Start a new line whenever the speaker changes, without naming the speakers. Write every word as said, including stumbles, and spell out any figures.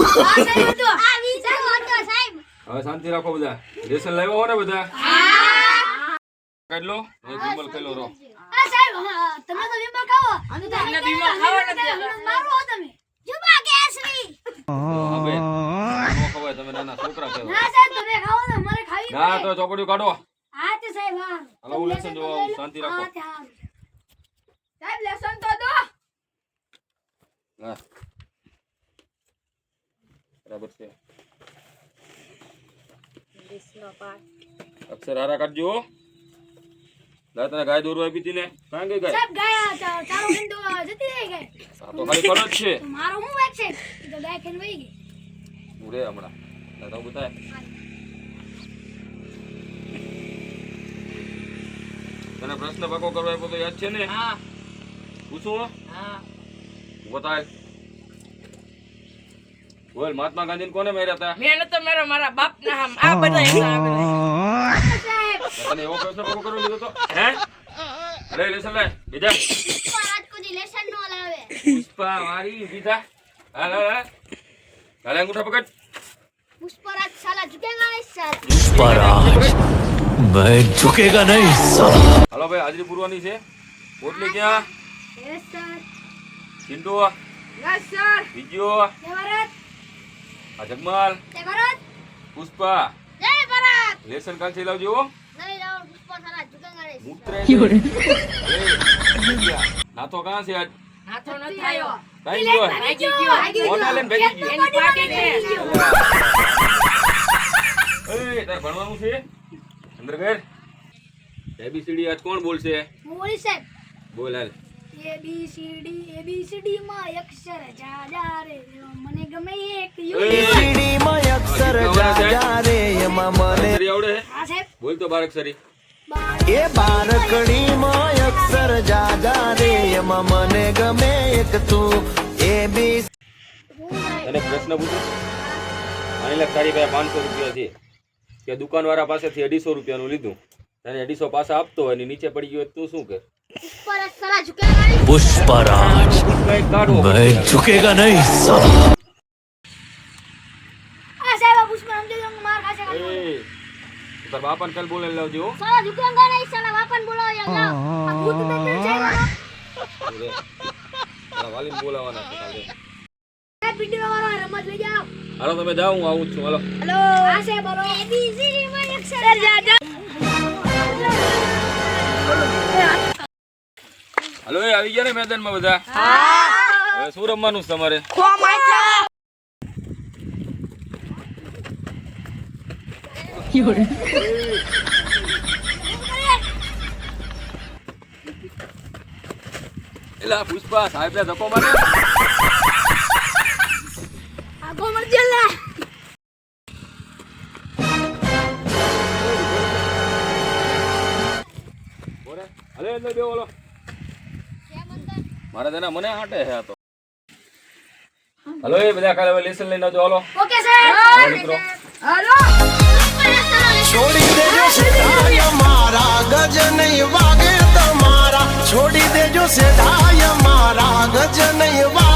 સાહેબ તો આ વિચાર હતો સાહેબ.
હવે શાંતિ રાખો બધા. લેસન લાવ્યો હો ને બધા?
હા.
કાઢ લો. એ વિમલ ખેલો રો.
આ સાહેબ તમે તો વિમલ ખાવો. અને તમને વિમલ ખાવો નથી. મારો હો તમે. જુબા કેસરી.
હવે નો ખવાય તમે નાના છોકરા છો.
ના સાહેબ તમે ખાવો ને મારે ખાવી.
ના તો ચોપડીઓ કાઢો.
હા તે સાહેબ હા.
હાલો લેસન જો શાંતિ રાખો.
હા તે હા.
સાહેબ લેસન તો દો.
હા. બરાબર છે. અક્ષર હારા કાઢજો. લા તને ગાય દોરવા આપી હતી ને? કાં ગઈ ગાય?
સાહેબ ગાય ચારો ખંડો જતી રહી ગઈ.
આ તો ખાલી કરો જ છે.
મારો હું વાત છે? તો ગાય ખેન વહી ગઈ.
ઉરે હમણાં. ના તો બતાય. તને પ્રશ્ન પાકો કરવા આપ્યો તો યાદ છે ને?
હા
પૂછું?
હા
બતાય. બોલ મહાત્મા ગાંધીને કોને માર્યા હતા?
મેં તો મારા મારા બાપ ના આમ આ બધા એના
સાહેબ
તને એવો પ્રશ્ન પાકો કરવા લીધો તો? હે? લે લેસન લે. બીજા.
પુષ્પરાજ કોઈ લેસન નો લાવે.
પુષ્પા મારી બીજા. હાલ હાલ હાલ. હાલ અંગૂઠા પકડ.
પુષ્પરાજ સાલા ઝુકેગા નહીં સર.
पुष्पराज मैं झुकेगा नहीं साला।
હાલો ભાઈ હાજરી પૂરવાની છે. પોટલી ક્યાં?
Yes sir.
Chintu
yes sir
વિજયો
જય ભારત.
આ જગમાલ
જય ભારત.
પુષ્પા
જય ભારત.
લેસન કાલથી લાવજો.
નહીં લાવો પુષ્પા સાલા ઝુકેગા નહીં.
મૂત્ર નાતો કાં છે આજ?
નાથો ન થાયો
કાઈ ગયો
ભાગી ગયો
મોના લઈને ભાગી ગયો.
એની પાટી છે
એ તાર ભણવાનું છે અંદર ઘર. એબીસીડી આજ કોણ બોલશે?
મોરી સાહેબ.
બોલ હાલ.
A B C D A B C D માં અક્ષર જા જા રે મને ગમે એક યુ.
સીડી માં અક્ષર જા જા રે એમાં મને
અક્ષરી આવડે હે?
હા સાહેબ.
બોલ તો બાર અક્ષરી.
એ બારકડી માં અક્ષર જા જા રે એમાં મને ગમે એક તું એ બી.
તને પ્રશ્ન પૂછું? માની લે તારી પાસે પાંચસો રૂપિયા છે કે દુકાનવાળા પાસેથી અઢીસો રૂપિયાનું લીધું, તને અઢીસો પાછા આપતો હોય ને નીચે પડી ગયો તું શું કર?
પુષ્પરાજ સાલા ઝુકેગા નહીં.
पुष्पराज
કઈ કાઢો.
मैं झुकेगा नहीं साला।
આ સાહેબ આ પુષ્પા સમજો તો માર ખાશે.
એ તાર બાપાને કાલ બોલાવી લાવજો.
સાલા ઝુકેગા નહીં સાલા બાપાને બોલાવો યાર. લાવ. આ ભૂત તો છે મારો.
તારા વાલીને બોલાવવાના છે કાલે.
એ પીટીઓ વાળો રમત લઈ જાઓ.
હાલો તમે જાઓ, હું આવું જ છું. હાલો.
હેલો આ સાહેબ બોલો. એ બી સી ડી માં અક્ષર જા જા.
હાલો એ આવી ગયા ને મેદાનમાં બધા? હવે શું રમવાનું છે તમારે? એલા પુષ્પા સાહેબ ને ધક્કો મારે.
આ ગોમર જલ્લા.
બોલે અલે અંદર બે બોલો. મારે તેના મને હાટે હે આ તો. હાલો એ બધા કાલે હવે લેસન લઈને આવજો. Hello
okay sir.
હાલો મિત્રો.
હાલો
छोड़ी देजो सेठाय मारा गज नहीं वागे तुम्हारा छोड़ी देजो सेठाय मारा गज नहीं वागे।